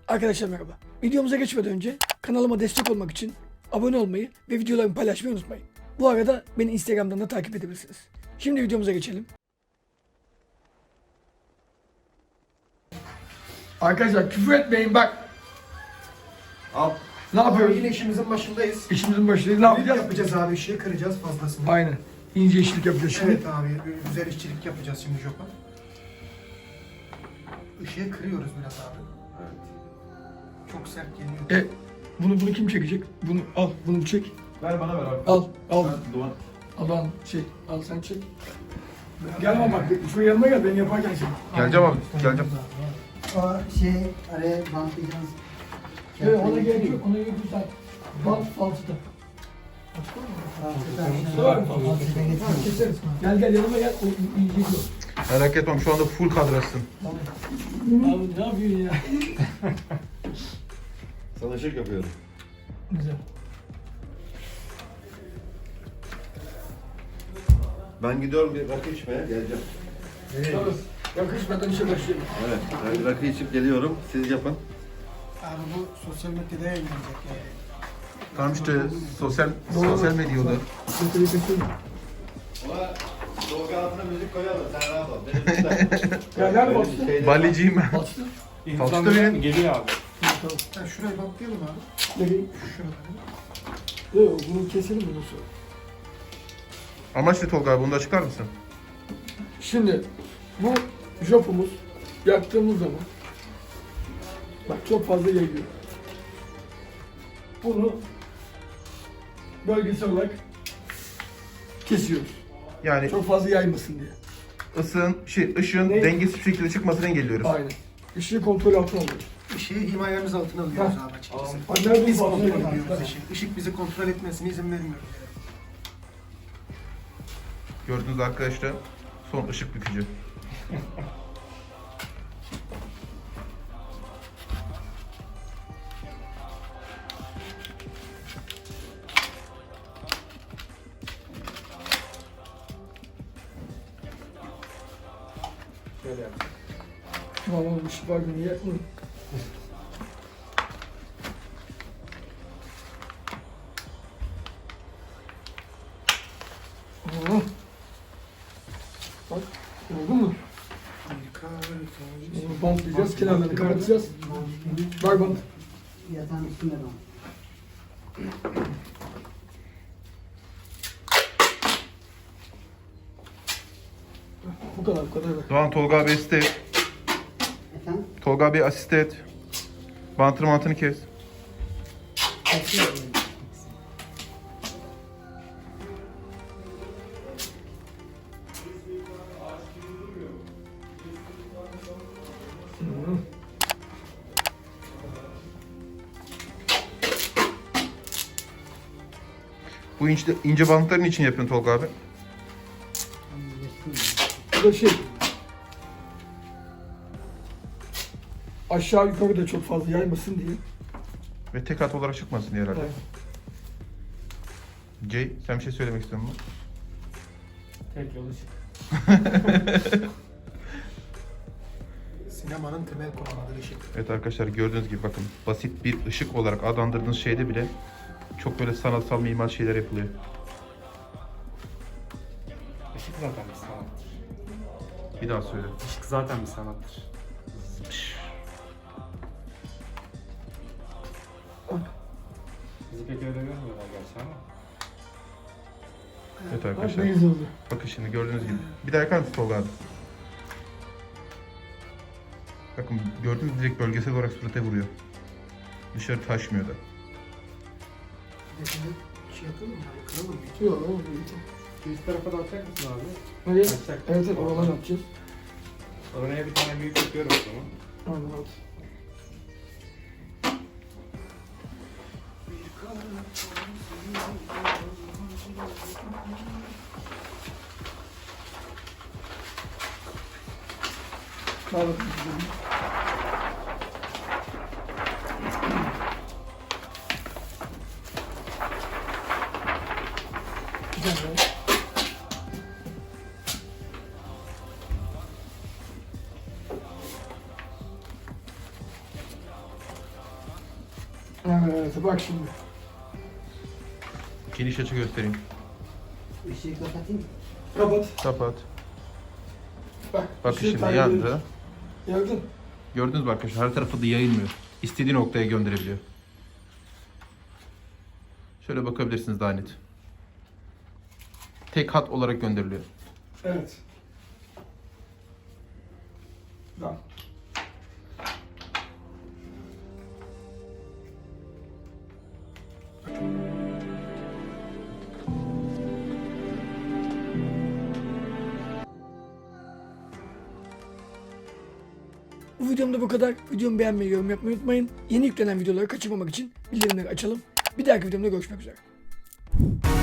Arkadaşlar merhaba. Videomuza geçmeden önce kanalıma destek olmak için abone olmayı ve videolarımı paylaşmayı unutmayın. Bu arada beni Instagram'dan da takip edebilirsiniz. Şimdi videomuza geçelim. Arkadaşlar küfür etmeyin bak. Al. Ne yapıyoruz? Yine işimizin başındayız. İşimizin başındayız. Ne yapacağız? Yapacağız abi, ışığı kıracağız fazlasını. Aynen. İnce işçilik yapacağız şimdi. Evet abi, güzel işçilik yapacağız şimdi Jopa. Işığı kırıyoruz biraz abi. Evet. Çok sert geliyor. Bunu kim çekecek? Bunu al, bunu çek. Ver bana ver abi. Al. Doğan. Al sen çek. Gelme bak, şu yanıma gel, ben yaparken çek. Geleceğim abi. Geleceğim. O araya bantlayacağız. Evet, ona gerek yok, ona gerek yok sen. Bant falçıda. Keseriz. Gel yanıma gel, o ince yok. Merak etmem, şu anda full kadrasın. Abi ne yapıyorsun ya? Sana ışık yapıyorum. Güzel. Ben gidiyorum bir rakı içmeye, geleceğim. Tamam. Yakışmadan işe başlayalım. Evet, ben bir rakı içip geliyorum. Siz yapın. Abi bu sosyal medyada yayınlanacak yani. Tamam işte sosyal medyada. Ama dolga altına müzik koyalım, sen rahat ol. Ya nerede bastı? Baliciyim ben. Bastı. Falçıda benim. Geliyor abi. Sen şurayı bantlayalım abi. Nereye? Şurada. Yok, bunu keselim bundan sonra. Amaç ne Tolga abi, bunu da açıklar mısın? Şimdi bu jopumuz yaktığımız zaman bak çok fazla yayıyor. Bunu bölgesel olarak kesiyoruz. Yani Çok fazla yaymasın diye. ışığın Ne? dengesiz bir şekilde çıkmasını engelliyoruz. Aynen. Işığı kontrol altına alıyoruz. Işığı himayemiz altına alıyoruz abi açıkçası. Nerede Biz bu kontrol altına ediyoruz ışığı. Işık bizi kontrol etmesine izin vermiyoruz. Gördüğünüz arkadaşlar son ışık bükücü. Şöyle yap. Tamam ışık var niye yakmıyor? Bak, oldu mu? Bunu bantlayacağız, kenarlarını kapatacağız. Bak bant. Yatağın üstünde bant. Bu kadar. Doğan Tolga abi asiste et. Efendim? Tolga abi asiste et. Bantını mantını kes. Bu ince bantların için yapıyorsun Tolga abi. Bu da aşağı yukarı da çok fazla yaymasın diye. Ve tek hat olarak çıkmasın diye herhalde. Evet. Jay, sen bir şey söylemek istiyor musun? Tek yol ışık. Sinemanın temel konuları ışık. Evet arkadaşlar, gördüğünüz gibi bakın, basit bir ışık olarak adlandırdığınız şeyde bile çok böyle sanatsal mimar şeyler yapılıyor. Işık zaten bir sanattır. Bir daha söyle. Işık zaten bir sanattır. Bizi pek öyle görmüyorlar gerçi ama. Evet Bak ne arkadaşlar, güzel oldu. bakın şimdi gördüğünüz gibi. Bir daha yakar mısın Tolga abi? Bakın gördüğünüz gibi direkt bölgesel olarak surata vuruyor. Dışarı taşmıyor da. Şimdi şey yapalım mı? Kıralım mı? Yok oldu. Üst tarafa da atacak mısın abi? Nereye? Açacak. Evet oradan atacağız. Oraya bir tane büyük yapıyorum o zaman. Aynen at. Al bakalım. Güzel. Evet bak şimdi. Geniş açı göstereyim. Işığı kapatayım. Kapat. Kapat. Bak. Bakın ışığı şimdi takip yandı. ediyoruz. Gördün. Gördünüz mü arkadaşlar? Her tarafı da yayılmıyor. İstediği noktaya gönderebiliyor. Şöyle bakabilirsiniz daha net. Tek hat olarak gönderiliyor. Evet. Tamam. Bu videomda bu kadar. Videomu beğenmeyi, yorum yapmayı unutmayın. Yeni yüklenen videoları kaçırmamak için bildirimleri açalım. Bir dahaki videomda görüşmek üzere.